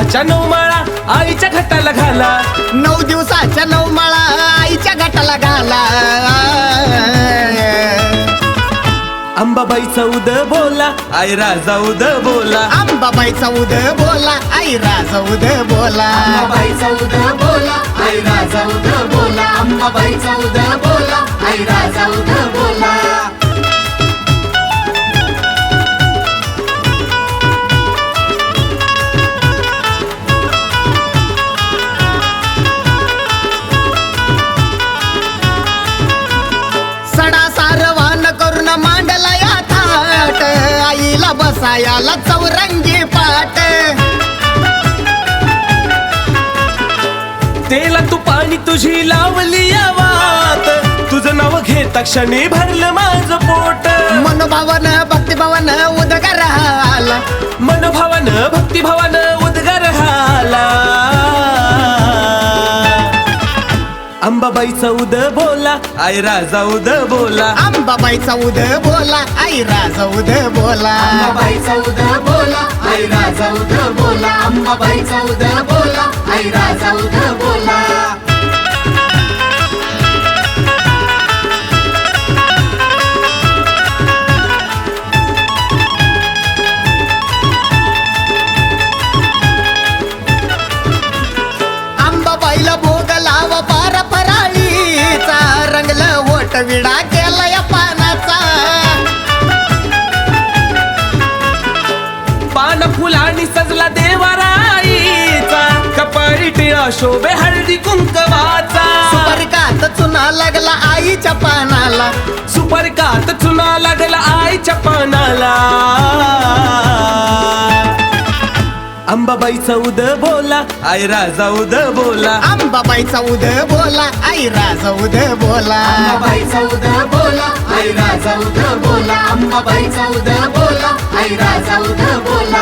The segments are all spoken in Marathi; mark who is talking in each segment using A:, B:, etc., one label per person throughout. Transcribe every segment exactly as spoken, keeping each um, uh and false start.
A: दिवसाच्या नऊ माळा आईच्या घटाला घाला,
B: नऊ दिवसाच्या नऊ माळा आईच्या घटाला घाला.
A: अंबाबाईचा उद बोला आई राजा उद बोला,
B: अंबाबाईचा उद बोला आई राजा उद बोला.
C: अंबाबाईचा उद बोला आई राजा उद बोला, अंबाबाईचा उद बोला आई राजा उद बोला.
B: सडा सारवान करून मांडला या थाट, आईला बसायाला चौरंगी पाट.
A: तेला तू पाणी तुझी लावली या वात, तुझं नाव घेता क्षणी भरलं माझं पोट.
B: मनोभावन भक्तिभावन उदगार आला,
A: मनोभावन भक्तिभावन उद्गार हाला. अंबाबाईचा उद बोला आई राजा उद बोला,
B: अंबाबाईचा उद बोला आई राजा उद बोला.
C: अंबाबाईचा उद बोला आई राजा उद बोला, अंबाबाईचा उद बोला आई राजा उद बोला.
B: अंबाबाईला भोग लाव पार फराळीचा, रंगलं होट विडा केला या पानाचा.
A: पान फुलांनी सजला देवाराईचा, कपाळी टिळा शोभे हळदी कुंकवाचा.
B: सुपारीकात चुना लागला आईच्या पानाला,
A: सुपारीकात चुना लागला आईच्या पानाला. अंबाबाईचा उद बोला आई राजा उद बोला,
B: अंबाबाईचा उद बोला आई राजा उद बोला.
C: अंबाबाईचा उद बोला आई राजा उद बोला, अंबाबाईचा उद बोला आई राजा उद बोला.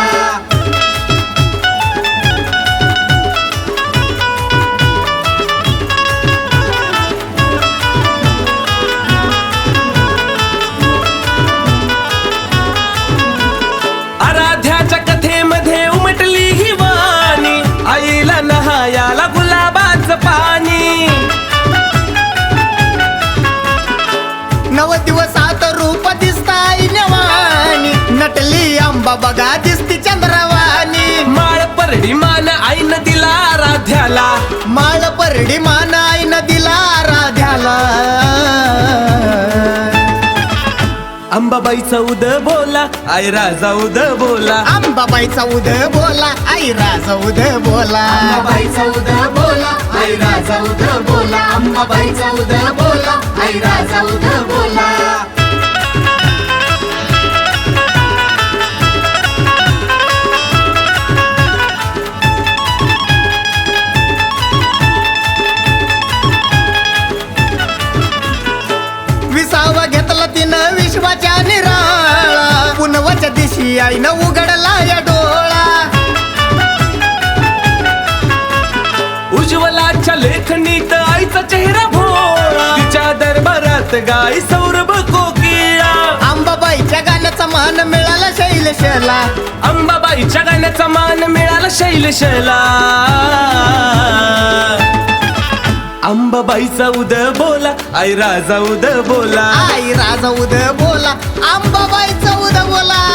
A: आराध्याच्या कथेमध्ये उमटली ही वाणी, आईला नहायाला गुलाबाचं पाणी.
B: नव दिवसात रूप दिसताय नवानी, नटली अंबा बघा दिसती चंद्रवाणी.
A: माळ परडी मान आईनं दिला आराध्याला,
B: माळ परडी मान आईन दिला राध्याला.
A: अंबाबाईचा उद बोला आई राजा उद बोला,
B: अंबाबाईचा उद बोला आई राजा उद बोला.
C: अंबाबाईचा उद बोला आई राजा उद बोला, अंबाबाईचा उद बोला आई राजा उद बोला.
B: विसावा घेतला तिनं विश्वाच्या निराळा, पुनवाच्या दिशी आईनं उघडला या डोळा.
A: उज्ज्वलाच्या लेखनीत आईचा चेहरा भोळा, तिच्या दरबारात गाई सौरभ कोकिळा.
B: अंबाबाईच्या गाण्याचा मान मिळाला शैलशला,
A: अंबाबाईच्या गाण्याचा मान मिळाला शैलशला. अंबाबाईचा उद बोला आई राजा उद बोला,
B: आई राजा उद बोला, अंबाबाईचा उद बोला